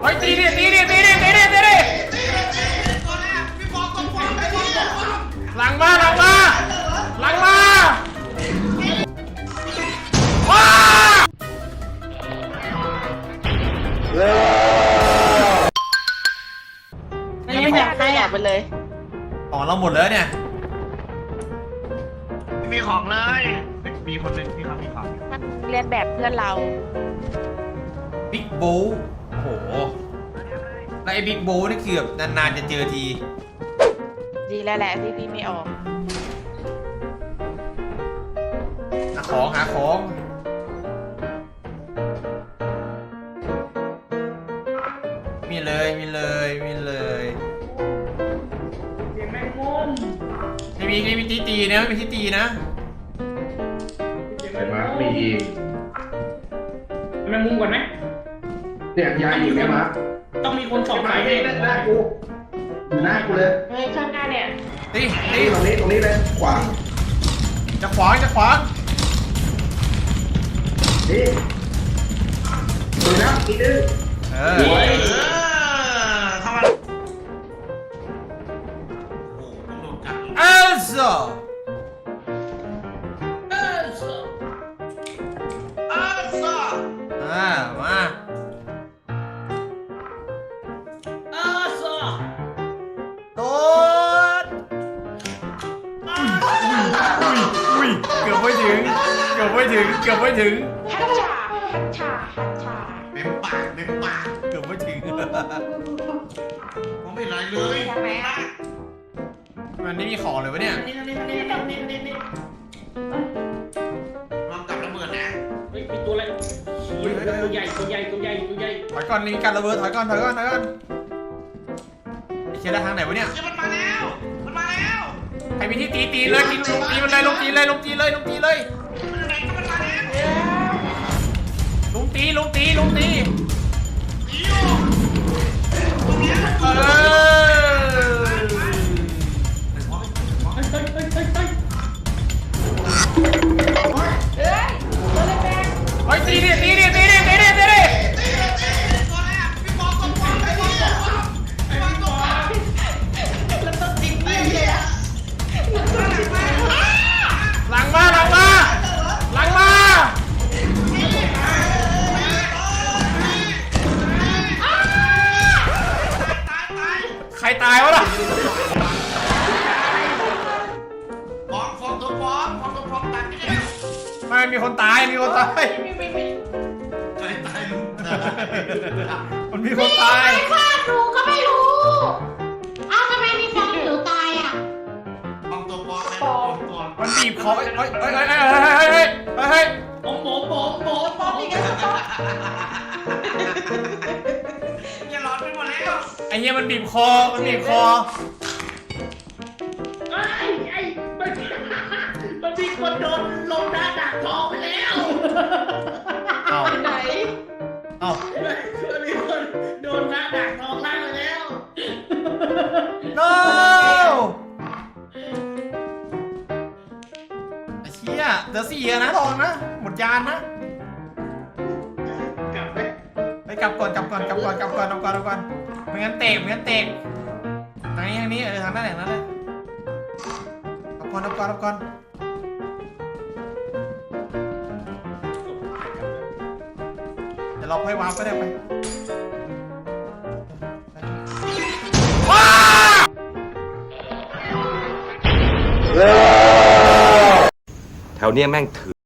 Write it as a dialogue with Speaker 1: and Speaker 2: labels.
Speaker 1: เฮ้ยตีดิตีดิตีดิตีดิตีดิหลังมาหลังมาหลังมาว้า
Speaker 2: ไม่อยากให้อยากไปเลย
Speaker 1: ของเราหมดแล้วเนี่ย
Speaker 3: ไม่มีของเลยมีคนหนึ่งที่เขามีของ
Speaker 2: มันเรียนแบบเพื่อนเรา
Speaker 1: บิ๊กโบว์โอ้โหแล้วไอ้บิ๊กโบว์นี่คือแบบนานๆจะเจอที
Speaker 2: ดีแล้วแหละที่พี่ไม่ออก
Speaker 1: หาของหาของมีเลยมีเลยมีเลยเสียงแมงมุมไม่มีที่ตีนะไม่มีที่ตีนะ
Speaker 4: เห็นไหมมีอีก
Speaker 5: แมงมุมก่อนไหม
Speaker 4: เนี่ยยายอีกไหมมา
Speaker 5: ต้องมีคนส่องไฟ
Speaker 4: นี่หน้ากูอยู่หน้ากูเลย
Speaker 2: เฮ้ยข้างหน้าเนี่ย
Speaker 1: ตี
Speaker 4: นี่ตรงนี้เลยขวาง
Speaker 1: จะขวางจะขวาง
Speaker 4: นี่ดูนะอีกนึง
Speaker 1: เออ
Speaker 3: เข้ามา
Speaker 1: เอลซ่ามาโดนอุ้ยเกือบไม่ถึงเกือบไม่ถึงเกือบไม่ถึง
Speaker 2: ฮัชชาฮัชชาฮัชชา
Speaker 3: เต็มปากเต็มปาก
Speaker 1: เกือบไม่ถึง
Speaker 3: ผมไม่ไรเลย
Speaker 2: ใช่ไหมอ่ะ
Speaker 1: มันไม่มีของเลยวะเนี่ย
Speaker 3: นี่ลองกับระเบิดนะ
Speaker 5: เฮ้ยมีตัวอะไรตัวใหญ่ตัวใหญ่ตัวใหญ่ตัวใหญ่
Speaker 1: ถอยก่อนมีการระเบิดถอยก่อนถอยก่อนถอยก่อนไอ้เชี่ยได้ทางไหนวะเนี่ย
Speaker 3: มันมาแล้วมันมาแล้ว
Speaker 1: ใครมีที่ตีตีเลยตีลงตีมันเลยลงตีเลยลงตีเลยลงตีเลย
Speaker 3: มันอยู่ไหนก็มันมาแล้ว
Speaker 1: ลงตีลงตีลงตี
Speaker 3: ตีอยู่ตรงนี้มัน
Speaker 1: เออ
Speaker 5: เฮ้ยเฮ้ยเฮ้ยเฮ้ยเฮ้ย
Speaker 2: เอ้ยตัวเล็กแดง
Speaker 1: เฮ้ยตีดิตีดิตีดิตีดิตีดิ
Speaker 3: ตัวแรกพี่บอลตัวบอลไอ้บอลตัวบอลไอ้บอลตัวบอล
Speaker 2: แล้วต้องติดเงี้ยเลยอ่ะ
Speaker 1: หลังมาหลังมาหลังมาใครตายวะล่ะ
Speaker 3: ฟองตัวฟองตัดนี่
Speaker 1: ไม่มีคนตายมีคนตาย
Speaker 3: ใครตายลูก
Speaker 1: มันมีคนตาย
Speaker 6: ฆ่าหนูก็ไม่รู้ เอ้าทำไมมีฟองหนูตายอ่ะ
Speaker 3: ฟองตัวฟองไอ้ฟองตัว
Speaker 1: มันบีบคอเฮ้ยเฮ้ยเฮ้ยเฮ้ยเฮ้ยเฮ้ยเฮ้ย
Speaker 5: โอ้โหโบโบโบ
Speaker 2: นี่ก็ต้อง
Speaker 3: อย่าหลอนไปหมดแล้ว
Speaker 1: ไอ้เหี้ยมันบีบคอมันบีบคอ
Speaker 5: ไอ้มันมีคนโดนลงหน้าดักทองไปแล้ว
Speaker 1: เอ้า
Speaker 2: ไหน
Speaker 1: เอ้า
Speaker 5: มันมีคนโดนหน้าดักทองล่างไปแล้ว
Speaker 1: no ไอ้เชี่ยเดี๋ยว4นะทองนะหมดยานนะ
Speaker 3: กลับไป
Speaker 1: ไปกลับก่อนกลับก่อนกลับก่อนกลับก่อนกลับก่อนกลับก่อนไม่งั้นเตะไม่งั้นเตะทางนี้ทางนี้ทางนั้นแหละนั่นเลยกลับก่อนกลับก่อนกลับก่อนเดี๋ยวเราค่อยวาร์ปก็ได้ไปว้า
Speaker 7: แถวเนี้ยแม่งถือ